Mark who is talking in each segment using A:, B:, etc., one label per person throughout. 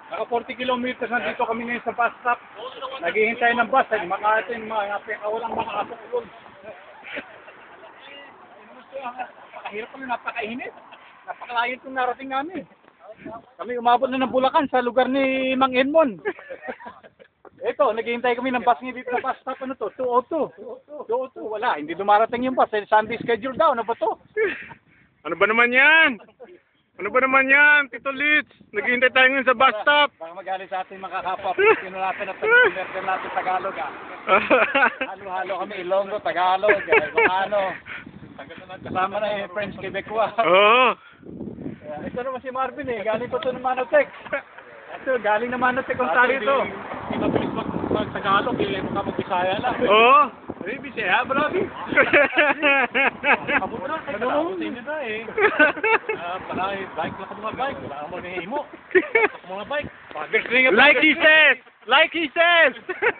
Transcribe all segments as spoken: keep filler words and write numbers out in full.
A: Naka forty kilometers nandito kami ngayon sa bus stop. Naghihintay ng bus. Ay, makaatin mga walang makakasulong. Napakahirap kami, napakainit. Napakalayo itong narating namin. Kami umabot na ng Bulacan sa lugar ni Mang Edmond. Ito, naghihintay kami ng bus ngayon dito sa bus stop. Ano to? two oh two. two oh two. Wala, hindi dumarating yung bus. Sunday schedule daw. Ano ba to?
B: Ano ba naman yan? Ano ba naman yan, Tito Litz? Naghihintay tayo ngayon sa bus stop.
A: Baka magalit sa ating mga kapwa. Sino natin at pag-converter natin Tagalog ah. Halo-halo kami, Ilonggo, Tagalog, Ilocano. Kasama na yung French Quebecois.
B: Oo.
A: Uh, ito naman si Marvin eh, galing ko ito ng Manotec. Ito, galing ng Manotec kung tali ito. Hindi mabilis mag-Tagalog, hindi mo ka mag-Bisaya lang.
B: Oo.
A: Hey, Bisaya, bravi. Kabutra, ano mo? Hindi na eh. Para bike lang ka mga bike. Wala ka mo na himo. Mga bike.
B: Like he says! Like he says!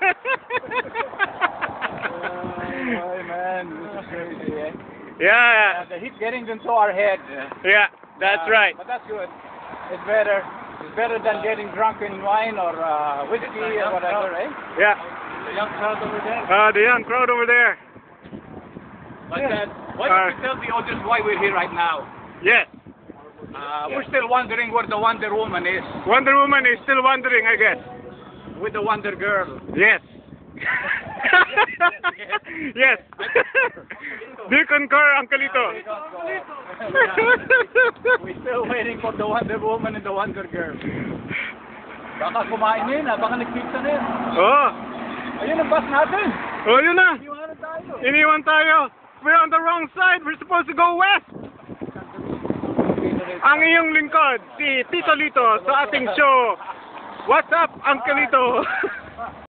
A: Oh, man, this is crazy eh.
B: Yeah.
A: Uh, the heat getting into our head.
B: Yeah, that's
A: Uh,
B: right.
A: But that's good. It's better. It's better than getting drunk in wine or uh, whiskey or whatever, eh?
B: Yeah.
A: The young crowd over there.
B: Uh, the young crowd over there.
A: But uh, why
B: Uh,
A: don't you tell the audience why we're here right now?
B: Yes.
A: Uh, we're still wondering where the Wonder Woman is
B: Wonder Woman is still wondering, I guess.
A: with the Wonder Girl.
B: Yes. Yes. Do you concur, Uncle Lito?
A: We're still waiting for the Wonder Woman and the Wonder Girl. Baka kumain na yun ah, baka nag-pizza na yun.
B: Oh.
A: Ayun ang bus natin.
B: Oh, yun na.
A: Iwanan tayo.
B: Iniwan tayo. We're on the wrong side. We're supposed to go west. Ang iyong lingkod, si Tito Lito sa ating show. What's up, Uncle Lito?